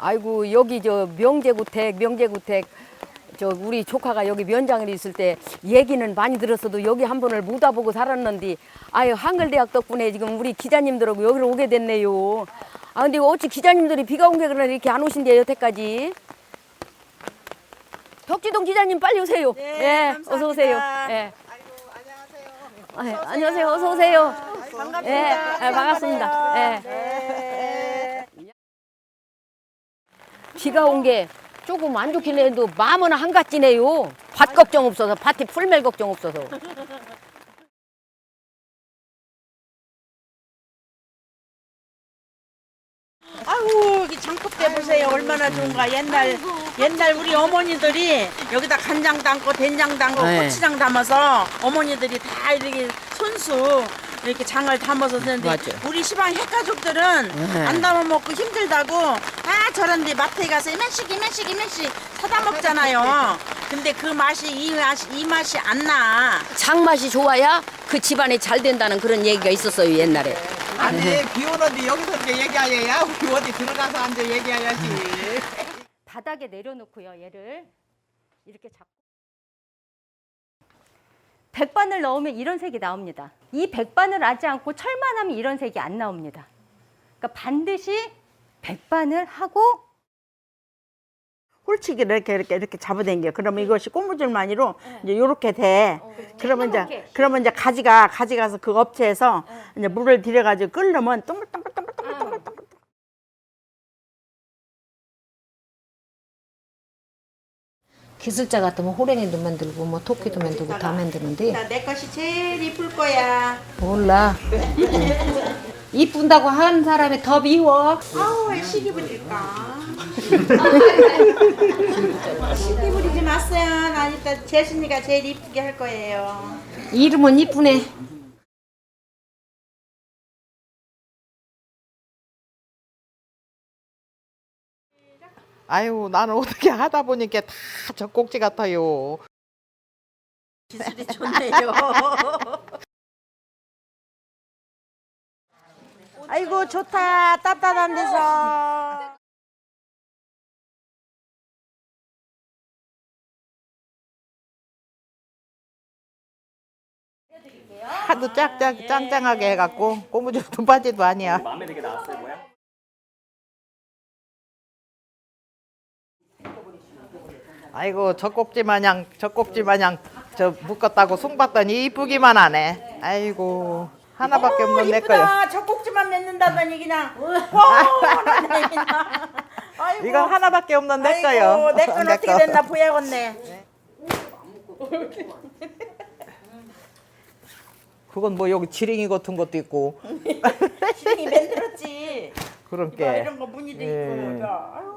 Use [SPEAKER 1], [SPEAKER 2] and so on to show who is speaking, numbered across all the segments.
[SPEAKER 1] 아이고 여기 저 명재구택 저 우리 조카가 여기 면장을 있을 때 얘기는 많이 들었어도 여기 한 번을 못 와보고 살았는데 아유 한글대학 덕분에 지금 우리 기자님들하고 여기로 오게 됐네요. 아 근데 어찌 기자님들이 비가 온 게 그러나 이렇게 안 오신대요 여태까지. 덕지동 기자님 빨리 오세요.
[SPEAKER 2] 네,
[SPEAKER 1] 어서 오세요. 예. 안녕하세요. 어서 오세요.
[SPEAKER 2] 반갑습니다.
[SPEAKER 1] 예, 반갑습니다. 예.
[SPEAKER 2] 네.
[SPEAKER 1] 비가 온 게 조금 안 좋긴 해도 마음은 한가지네요. 밭 걱정 없어서, 밭에 풀멜 걱정 없어서.
[SPEAKER 2] 아유, 여기 장독대 보세요. 얼마나 좋은가. 옛날 우리 어머니들이 여기다 간장 담고 된장 담고
[SPEAKER 1] 네.
[SPEAKER 2] 고추장 담아서 어머니들이 다 이렇게 손수 이렇게 장을 담아서 쓰는데
[SPEAKER 1] 맞아요.
[SPEAKER 2] 우리 시방 핵가족들은
[SPEAKER 1] 네.
[SPEAKER 2] 안 담아 먹고 힘들다고 저런데 마트에 가서 이만씩 사다 먹잖아요. 근데 그 맛이 이 맛이 안 나.
[SPEAKER 1] 장맛이 좋아야 그 집안이 잘 된다는 그런 얘기가 있었어요, 옛날에.
[SPEAKER 3] 아니 비 오는데 여기서 이렇게 얘기하여야 우리 어디 들어가서 앉아 얘기해야지.
[SPEAKER 1] 바닥에 내려놓고요, 얘를 이렇게 잡고.
[SPEAKER 4] 백반을 넣으면 이런 색이 나옵니다. 이 백반을 하지 않고 철만 하면 이런 색이 안 나옵니다. 그러니까 반드시 백반을 하고
[SPEAKER 2] 홀치기를 이렇게 잡아당겨. 그러면 이것이 고무줄만이로 이제 요렇게 돼. 그러면 이제 가져가서 그 업체에서 이제 물을 들여가지고 끓으면 동글동글동글동글동글.
[SPEAKER 5] 기술자 같으면 호랭이도 만들고 뭐 토끼도 만들고 다 만드는데
[SPEAKER 2] 내 것이 제일 이쁠 거야.
[SPEAKER 5] 몰라. 이쁜다고 하는 사람이 더 미워.
[SPEAKER 2] 아우, 시기 부릴까? 시기 부리지 마세요. 난 일단 재순이가 제일 이쁘게 할 거예요.
[SPEAKER 5] 이름은 이쁘네.
[SPEAKER 3] 아유 나는 어떻게 하다 보니까 다 젖꼭지 같아요.
[SPEAKER 2] 기술이 좋네요. 아이고 좋다. 따뜻한 데서.
[SPEAKER 3] 하도 짱짱하게 해갖고 고무줄 두 바지도 아니야.
[SPEAKER 6] 마음에 들게 나왔어요, 뭐야?
[SPEAKER 3] 아이고 젖꼭지 마냥 저 묶었다고 송봤더니 이쁘기만 하네. 아이고 하나밖에 없는 내 거요.
[SPEAKER 2] 이쁘다. 젖꼭지만 맺는다더니 그냥 뻔하네 그냥. 아이고.
[SPEAKER 3] 이건 하나밖에 없는 내 거요.
[SPEAKER 2] 아이고, 내 건
[SPEAKER 3] 내
[SPEAKER 2] 어떻게
[SPEAKER 3] 거.
[SPEAKER 2] 됐나 보야겠네.
[SPEAKER 3] 그건 뭐 여기 지렁이 같은 것도 있고
[SPEAKER 2] 시댕이 만들었지.
[SPEAKER 3] 그런
[SPEAKER 2] 봐,
[SPEAKER 3] 게.
[SPEAKER 2] 이런 거 무늬도
[SPEAKER 3] 예.
[SPEAKER 2] 있고. 아유.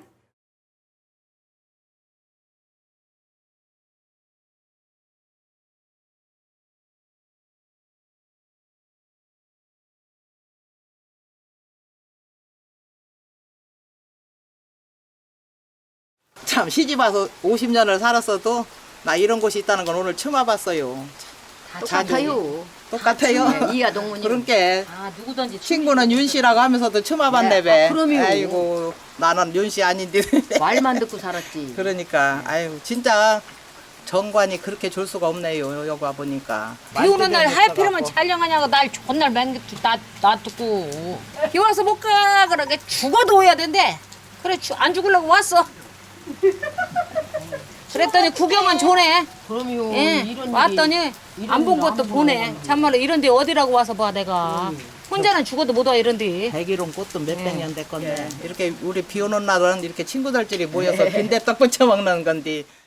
[SPEAKER 3] 참 시집 와서 50년을 살았어도 나 이런 곳이 있다는 건 오늘 처음 와봤어요.
[SPEAKER 1] 똑같아요.
[SPEAKER 3] 똑같아요.
[SPEAKER 1] 네, 이하 동문이.
[SPEAKER 3] 그러니까
[SPEAKER 5] 아 누구든지
[SPEAKER 3] 친구는 윤 씨라고 하면서도 처음 와봤네 배.
[SPEAKER 1] 그럼요.
[SPEAKER 3] 아이고 나는 윤 씨 아닌데.
[SPEAKER 1] 말만 듣고 살았지.
[SPEAKER 3] 그러니까 아유 진짜 정관이 그렇게 줄 수가 없네요. 여기 와 보니까.
[SPEAKER 5] 비 오는 날 하필이면 촬영하냐고 날 좋은 날 놔두고 비 와서 못 가 그러게 죽어도 오야 된대. 그래 안 죽으려고 왔어. 그랬더니 구경은 좋네.
[SPEAKER 1] 그럼요.
[SPEAKER 5] 예,
[SPEAKER 1] 이런
[SPEAKER 5] 왔더니
[SPEAKER 1] 일이,
[SPEAKER 5] 안 본
[SPEAKER 1] 일은
[SPEAKER 5] 것도
[SPEAKER 1] 안
[SPEAKER 5] 보네.
[SPEAKER 1] 보고.
[SPEAKER 5] 참말로 이런데 어디라고 와서 봐 내가. 혼자는 죽어도 못 와 이런데.
[SPEAKER 3] 백일홍 꽃도 몇백 년 됐건데 이렇게 우리 비 오는 날은 이렇게 친구들끼리 모여서 빈대떡 부쳐 먹는 건데